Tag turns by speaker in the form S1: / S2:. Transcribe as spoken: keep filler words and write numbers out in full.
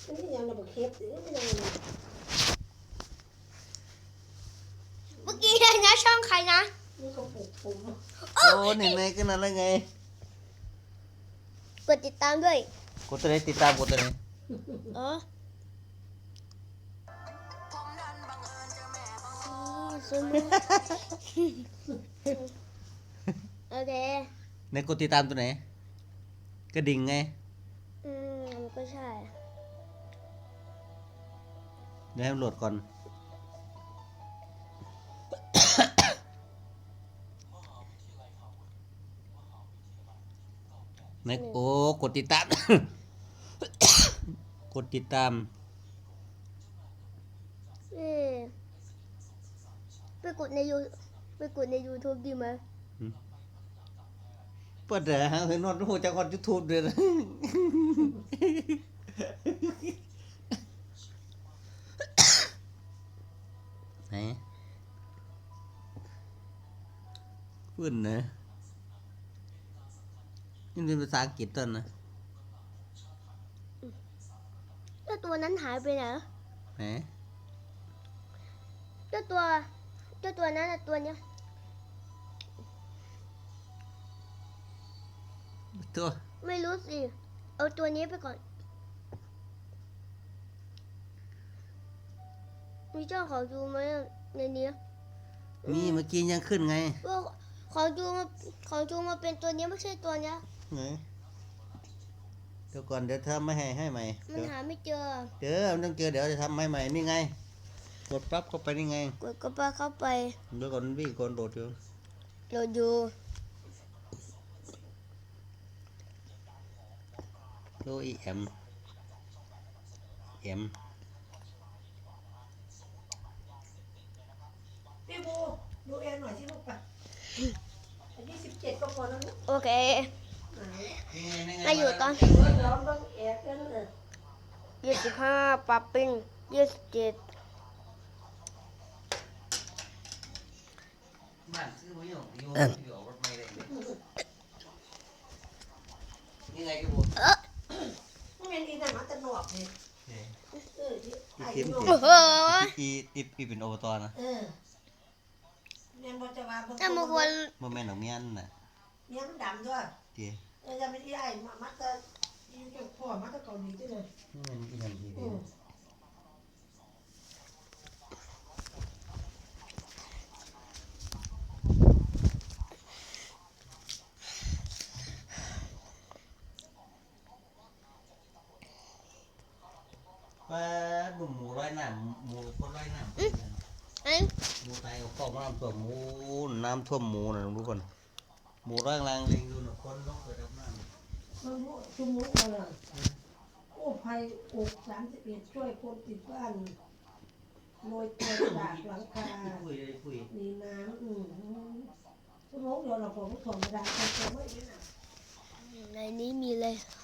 S1: นี่ยังระเบิดเคสหรือไม่ยัง
S2: เมื่อกี้เลยนะช่องใครนะ
S1: นี่ก็ปลุกผม
S3: โอ้เห็นไหมก็นั่นแล้วไง
S2: กดติดตามด้วย
S3: กดตัวไหนติดตามกดตัวไหน
S2: เออซุนโอเค
S3: ในกดติดตามตัวไหนกระดิ่งไง
S2: อืมมันก็ใช่
S3: เดี๋ยวให้มันโหลดก่อนในโอ้กดติดตาม กดติดตาม
S2: เออไปกดในยูไปกดใน YouTube ดีไหม
S3: เปิดเดี๋ยวหาเห็นนอนหูจากคนยูทูบเลยนะไหนพื้นนะนี่เป็นภาษาอังกฤษต้นนะ
S2: เจ้าตัวนั้นหายไปไหน
S3: ไหน
S2: เจ้าตัวเจ้าตัวนั้นตัวเนี้ย
S3: ตัว
S2: ไม่รู้สิเอาตัวนี้ไปก่อนมีเจ้าขอดูไหมในนี้
S3: มีเมื่อกี้ยังขึ้นไง
S2: ว่าขอดูมาขอดูมาเป็นตัวนี้ไม่ใช่ตัวเนี้ย
S3: ไหนเดี๋ยวก่อนเดี๋ยวทำไม่ให้ให้ใหม่
S2: มันหาไม่เจอ
S3: เจอมันต้องเจอเดี๋ยวจะทำให้ใหม่นี่ไงกดปั๊บเข้าไปนี่ไง
S2: กดก็ไปเข้าไป
S3: เดี๋ยวก่อนวิ่งก่อนโดดอยู่
S2: โดดอยู่
S3: โดอีเอ็มเอ็ม
S1: พี่บูดูแอนหน่อยสิลูกไปอายุสิบเจ็ดก็พอแล้วลูก
S2: โอเคมาอยู่ตอน
S1: ย้อนบ้างแอนกันเลย
S2: ยี่สิบห้าปรับเป็นยี่สิบเจ็ด
S3: บ้านซื้อมาอยู่อยู่อยู่รถไม่ได้นี่ไงพี่บู
S2: เออ
S1: มันเป็นอีแต่มาแต่หนวกเนี่ยเออที่ไอ้หนวก
S3: อีอีอีเป็นอบตนะ
S1: เออเมียนบอจะว่า
S2: ถ้ามึงควร
S3: โมเมนต์ของเมียนน่ะ
S1: เมียนดำด้วย
S3: เจี๋
S1: เออจะเป็นที่ไอ้มัดจะยิ่งจะพ่อมัดจะเกาหลีที่เลย
S3: นี่มันอีนั่นทีเดียวว่าบุ่มหมูร้อยหนามหมูคนร้อยหนามหมูไทยเขาน้ำท่วมหมูน้ำท่วมหมูนะทุกคนหมูร่างรังลิงดูหนึ่งคนต้องเกิดน้ำ
S1: มันชุ่มมุกมาเลยโอ้ภัยอกสามสิบเอ็ดช่วยคนติดบ้านโรยตัวจากหลังคามีน้ำอืมชุ่มมุกเดี๋ยวเราผมถ่วงกระดาษไปไม่ได้
S2: ในนี้มีเลย